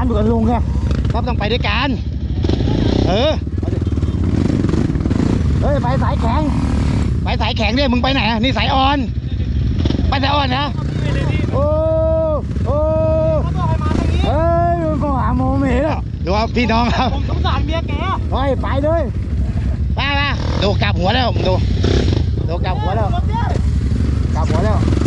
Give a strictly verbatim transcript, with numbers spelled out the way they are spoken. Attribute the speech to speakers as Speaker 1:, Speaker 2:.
Speaker 1: อยู่กับลุงไงครับต้องไปด้วยกันเออเฮ้ยไปสายแข็งไปสายแข็งเนี่ยมึงไปไหนนี่สายอ่อนไปสายอ่อนนะโอ้โอ้เฮ้ยมึงก็หาโมเมนต์อ่ะดูว่าพี่น้องครับ
Speaker 2: ผมสงสารเมียแก
Speaker 1: ไปไปเลยไปไปดูกลับหัวแล้วดูดูกลับหัวแล้วกลับหัวแล้ว